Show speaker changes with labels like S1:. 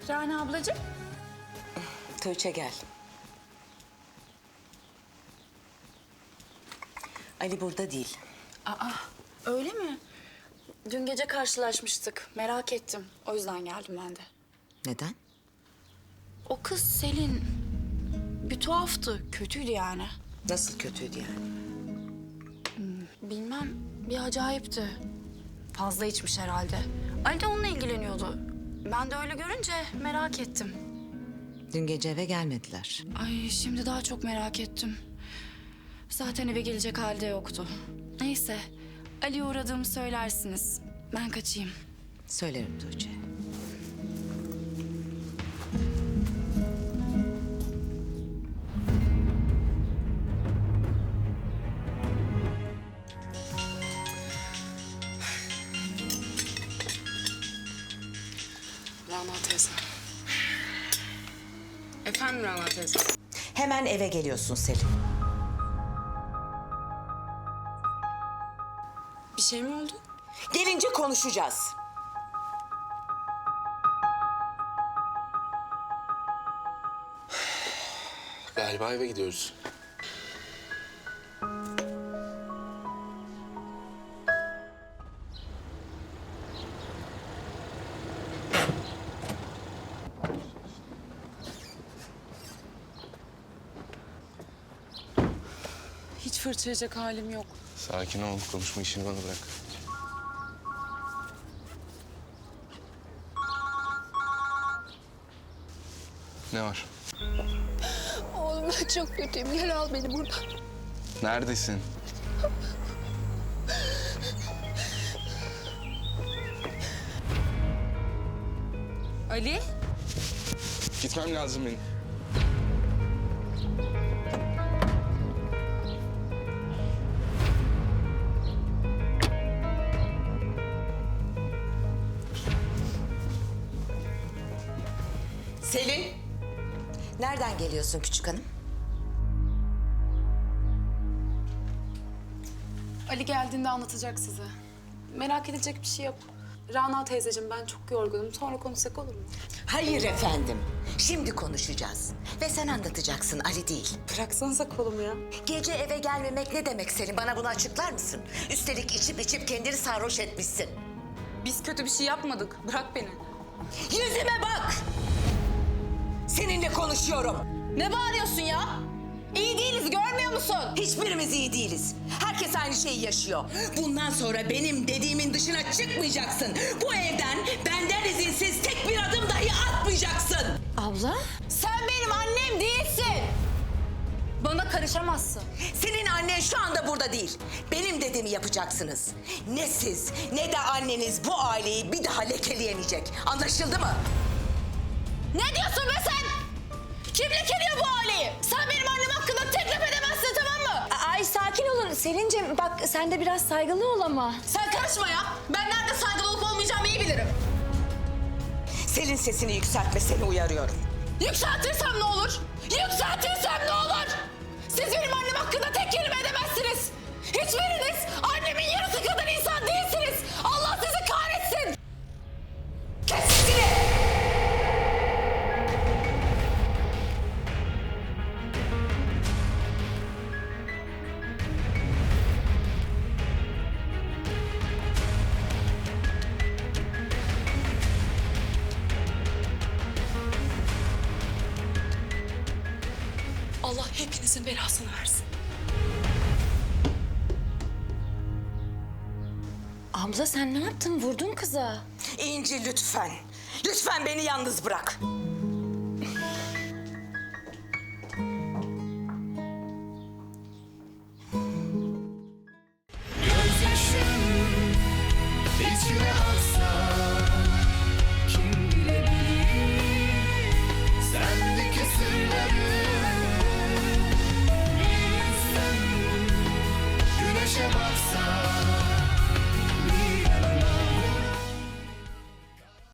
S1: Rana ablacığım.
S2: Tuğçe gel. Ali burada değil.
S1: Aa, öyle mi? Dün gece karşılaşmıştık. Merak ettim. O yüzden geldim ben de.
S2: Neden?
S1: O kız Selin bir tuhaftı. Kötüydü yani.
S2: Nasıl kötüydü yani?
S1: Bilmem, bir acayipti. Fazla içmiş herhalde. Ali de onunla ilgileniyordu. Ben de öyle görünce merak ettim.
S2: Dün gece eve gelmediler.
S1: Ay, şimdi daha çok merak ettim. Zaten eve gelecek halde yoktu. Neyse, Ali'ye uğradığımı söylersiniz. Ben kaçayım.
S2: Söylerim Tuğçe.
S3: Rana teyze. Efendim Rana teyze.
S2: Hemen eve geliyorsun Selin.
S3: Bir şey mi oldu?
S2: Gelince konuşacağız.
S4: Galiba eve gidiyoruz.
S3: Hiç fırçayacak halim yok.
S4: Sakin ol, konuşma işini bana bırak. Ne var?
S5: Oğlum ben çok kötüyüm. Gel al beni buradan.
S4: Neredesin?
S3: Ali?
S4: Gitmem lazım benim.
S2: Selin! Nereden geliyorsun küçük hanım?
S3: Ali geldiğinde anlatacak size. Merak edecek bir şey yok. Rana teyzeciğim ben çok yorgunum. Sonra konuşsak olur mu?
S2: Hayır efendim. Şimdi konuşacağız. Ve sen anlatacaksın, Ali değil.
S3: Bıraksanıza kolumu ya.
S2: Gece eve gelmemek ne demek Selin? Bana bunu açıklar mısın? Üstelik içip kendini sarhoş etmişsin.
S3: Biz kötü bir şey yapmadık. Bırak beni.
S2: Yüzüme bak! Seninle konuşuyorum.
S5: Ne bağırıyorsun ya? İyi değiliz, görmüyor musun?
S2: Hiçbirimiz iyi değiliz. Herkes aynı şeyi yaşıyor. Bundan sonra benim dediğimin dışına çıkmayacaksın. Bu evden benden izinsiz tek bir adım dahi atmayacaksın.
S5: Abla? Sen benim annem değilsin.
S1: Bana karışamazsın.
S2: Senin annen şu anda burada değil. Benim dediğimi yapacaksınız. Ne siz ne de anneniz bu aileyi bir daha lekeleyemeyecek. Anlaşıldı mı?
S5: Ne diyorsun be sen? Kim lekeliyor bu aileyi? Sen benim annem hakkında tek laf edemezsin, tamam mı?
S6: Ay sakin olun Selin'cim. Bak sen de biraz saygılı ol ama.
S5: Sen karışma ya. Ben nerede saygılı olup olmayacağımı iyi bilirim.
S2: Selin sesini yükseltme, seni uyarıyorum.
S5: Yükseltirsem ne olur? Yükseltirsem ne olur? Siz benim annem hakkında tek kelime edemezsiniz. Hiçbiriniz annemin yarısı kadar insan değilsiniz. Allah sizi kahretsin.
S2: Kes sesini!
S3: Allah hepinizin belasını versin.
S6: Abla sen ne yaptın? Vurdun kıza.
S2: İnci lütfen. Lütfen beni yalnız bırak.